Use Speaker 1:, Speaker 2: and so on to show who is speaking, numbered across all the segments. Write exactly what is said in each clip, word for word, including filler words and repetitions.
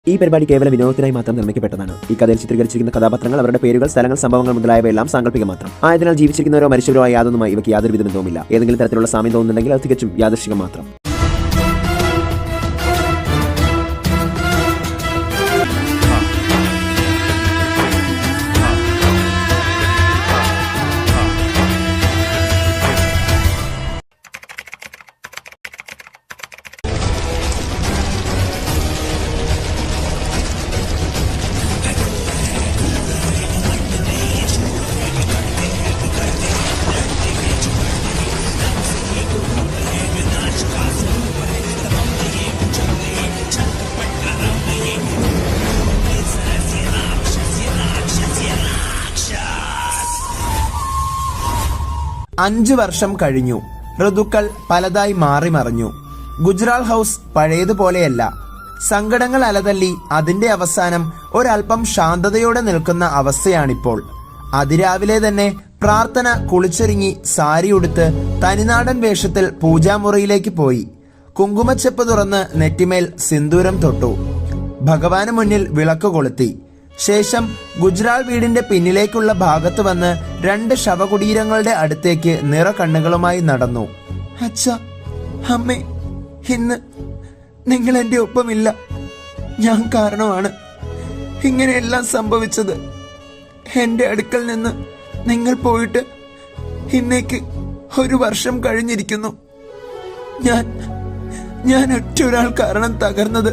Speaker 1: ഈ പരിപാടി കേവല വിനോദത്തിനായി മാത്രം നിർമ്മിക്കപ്പെട്ടതാണ്. ഈ കഥയിൽ ചിത്രീകരിച്ചിരിക്കുന്ന കഥാപാത്രങ്ങൾ, അവരുടെ പേരുകൾ, സ്ഥലങ്ങൾ, സംഭവങ്ങൾ മുതലായവയെല്ലാം സാങ്കല്പിക മാത്രം ആയതിനാൽ ജീവിച്ചിരിക്കുന്നവരോ മരിച്ചവരോ ആയ യാതൊന്നുമായി ഇവയ്ക്ക് യാതൊരു ബന്ധവുമില്ല. ഏതെങ്കിലും തരത്തിലുള്ള സാമ്യം തോന്നുന്നുണ്ടെങ്കിൽ അത് തികച്ചും യാദൃശ്ചികം മാത്രം.
Speaker 2: അഞ്ചു വർഷം കഴിഞ്ഞു. ഋതുക്കൾ പലതായി മാറി മറിഞ്ഞു. ഗുജറാൾ ഹൗസ് പഴയതുപോലെയല്ല. സങ്കടങ്ങൾ അലതല്ലി അതിന്റെ അവസാനം ഒരൽപ്പം ശാന്തതയോടെ നിൽക്കുന്ന അവസ്ഥയാണിപ്പോൾ. അതിരാവിലെ തന്നെ പ്രാർത്ഥന കുളിച്ചൊരുങ്ങി സാരി ഉടുത്ത് തനിനാടൻ വേഷത്തിൽ പൂജാമുറിയിലേക്ക് പോയി. കുങ്കുമച്ചെപ്പ് തുറന്ന് നെറ്റിമേൽ സിന്ദൂരം തൊട്ടു. ഭഗവാന് മുന്നിൽ വിളക്ക് കൊളുത്തി. ശേഷം ഗുജറാൾ വീടിന്റെ പിന്നിലേക്കുള്ള ഭാഗത്ത് വന്ന് രണ്ട് ശവകുടീരങ്ങളുടെ അടുത്തേക്ക് നിറ കണ്ണുകളുമായി നടന്നു. അച്ഛ, അമ്മേ, ഇന്ന് നിങ്ങൾ എന്റെ ഒപ്പമില്ല. ഞാൻ കാരണമാണ് ഇങ്ങനെയെല്ലാം സംഭവിച്ചത്. എന്റെ അടുക്കൽ നിന്ന് നിങ്ങൾ പോയിട്ട് ഇന്നേക്ക് ഒരു വർഷം കഴിഞ്ഞിരിക്കുന്നു. ഞാൻ ഞാൻ ഒറ്റ ഒരാൾ കാരണം തകർന്നത്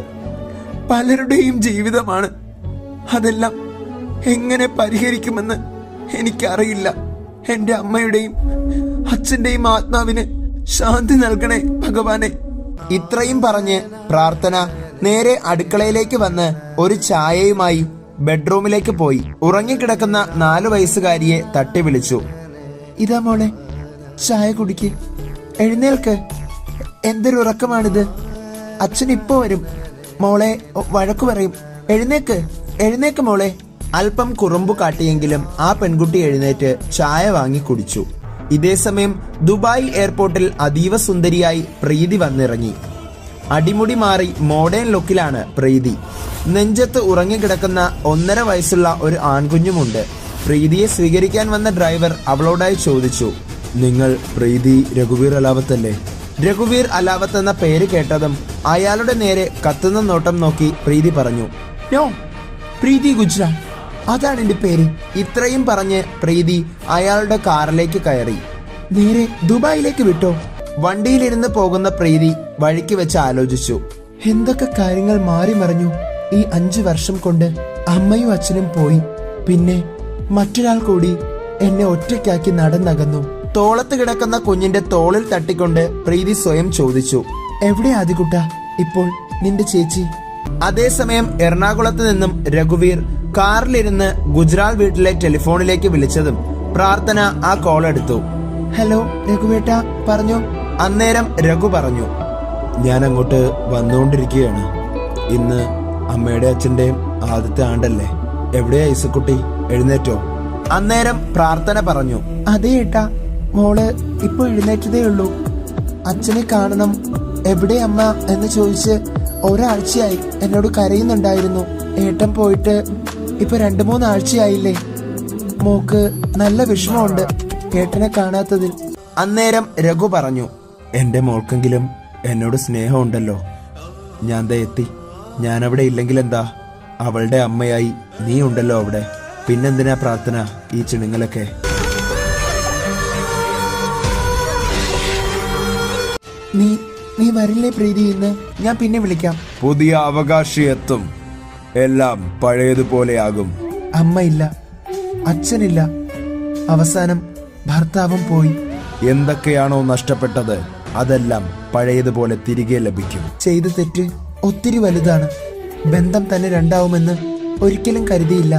Speaker 2: പലരുടെയും ജീവിതമാണ്. അതെല്ലാം എങ്ങനെ പരിഹരിക്കുമെന്ന് എനിക്കറിയില്ല. എന്റെ അമ്മയുടെയും അച്ഛന്റെയും ആത്മാവിന് ശാന്തി നൽകണേ ഭഗവാനെ. ഇത്രയും പറഞ്ഞ് പ്രാർത്ഥന നേരെ അടുക്കളയിലേക്ക് വന്ന് ഒരു ചായയുമായി ബെഡ്റൂമിലേക്ക് പോയി. ഉറങ്ങിക്കിടക്കുന്ന നാലു വയസ്സുകാരിയെ തട്ടി വിളിച്ചു. ഇതാ മോളെ, ചായ കുടിക്ക്, എഴുന്നേൽക്ക്. എന്തൊരു ഉറക്കമാണിത്. അച്ഛൻ ഇപ്പോ വരും. മോളെ വഴക്കു പറയും. എഴുന്നേക്ക്, എഴുന്നേക്ക് മോളെ. അല്പം കുറുമ്പു കാട്ടിയെങ്കിലും ആ പെൺകുട്ടി എഴുന്നേറ്റ് ചായ വാങ്ങി കുടിച്ചു. ഇതേസമയം ദുബായ് എയർപോർട്ടിൽ അതീവ സുന്ദരിയായി പ്രീതി വന്നിറങ്ങി. അടിമുടി മാറി മോഡേൺ ലുക്കിലാണ് പ്രീതി. നെഞ്ചത്ത് ഉറങ്ങിക്കിടക്കുന്ന ഒന്നര വയസ്സുള്ള ഒരു ആൺകുഞ്ഞുമുണ്ട്. പ്രീതിയെ സ്വീകരിക്കാൻ വന്ന ഡ്രൈവർ അവളോടായി ചോദിച്ചു, നിങ്ങൾ പ്രീതി രഘുവീർ അലാവത്തല്ലേ? രഘുവീർ അലാവത്ത് എന്ന പേര് കേട്ടതും അയാളുടെ നേരെ കത്തുന്ന നോട്ടം നോക്കി പ്രീതി പറഞ്ഞു, നോ, പ്രീതി ഗുജ്റാൾ, അതാണ് എന്റെ പേര്. ഇത്രയും പറഞ്ഞ് പ്രീതി അയാളുടെ കാറിലേക്ക് കയറി. നേരെ ദുബായിലേക്ക് വിട്ടോ? വണ്ടിയിലിരുന്ന് പോകുന്ന പ്രീതി വഴിക്ക് വെച്ച് ആലോചിച്ചു. എന്തൊക്കെ കാര്യങ്ങൾ മാറി മറിഞ്ഞു ഈ അഞ്ചു വർഷം കൊണ്ട്. അമ്മയും അച്ഛനും പോയി, പിന്നെ മറ്റൊരാൾ കൂടി എന്നെ ഒറ്റയ്ക്കാക്കി നടന്നകന്നു. തോളത്ത് കിടക്കുന്ന കുഞ്ഞിന്റെ തോളിൽ തട്ടിക്കൊണ്ട് പ്രീതി സ്വയം ചോദിച്ചു, എവിടെ ആദികുട്ട ഇപ്പോൾ നിന്റെ ചേച്ചി? അതേസമയം എറണാകുളത്ത് നിന്നും രഘുവീർ കാറിലിരുന്ന് ഗുജറാൾ വീട്ടിലെ ടെലിഫോണിലേക്ക് വിളിച്ചതും പ്രാർത്ഥന ആ കോൾ എടുത്തു. ഹലോ രഘുവേട്ട, പറഞ്ഞു. അന്നേരം രഘു പറഞ്ഞു, ഞാൻ അങ്ങോട്ട് വന്നുകൊണ്ടിരിക്കുകയാണ്. ഇന്ന് അമ്മയുടെ അച്ഛന്റെയും ആദ്യത്തെ ആണ്ടല്ലേ. എവിടെയാ ഐസക്കുട്ടി, എഴുന്നേറ്റോ? അന്നേരം പ്രാർത്ഥന പറഞ്ഞു, അതേ ഏട്ടാ, മോള് ഇപ്പൊ എഴുന്നേറ്റതേ ഉള്ളൂ. അച്ഛനെ കാണണം, എവിടെ അമ്മ എന്ന് ചോദിച്ച് ഒരാഴ്ചയായി എന്നോട് കരയുന്നുണ്ടായിരുന്നു. ഏട്ടൻ പോയിട്ട് ഇപ്പൊ രണ്ടു മൂന്നാഴ്ചയായില്ലേ. മോക്ക് നല്ല വിഷമമുണ്ട് ഏട്ടനെ കാണാത്തതിൽ. അന്നേരം രഘു പറഞ്ഞു, എന്റെ മോൾക്കെങ്കിലും എന്നോട് സ്നേഹമുണ്ടല്ലോ. ഞാൻ ദേ എത്തി. ഞാനവിടെ ഇല്ലെങ്കിൽ എന്താ, അവളുടെ അമ്മയായി നീ ഉണ്ടല്ലോ അവിടെ. പിന്നെന്തിനാ പ്രാർത്ഥന ഈ ചിണുങ്ങളൊക്കെ? നീ നീ വരില്ലേ പ്രീതി? ഇന്ന് ഞാൻ പിന്നെ വിളിക്കാം.
Speaker 3: പുതിയ അവകാശി എത്തും, എല്ലാം പഴയതുപോലെയാകും.
Speaker 2: അമ്മയില്ല, അച്ഛനില്ല, അവസാനം ഭർത്താവും പോയി.
Speaker 3: എന്തൊക്കെയാണോ നഷ്ടപ്പെട്ടത് അതെല്ലാം പഴയതുപോലെ തിരികെ ലഭിക്കും.
Speaker 2: ചെയ്ത തെറ്റ് ഒത്തിരി വലുതാണ്. ബന്ധം തന്നെ രണ്ടാവുമെന്ന് ഒരിക്കലും കരുതിയില്ല.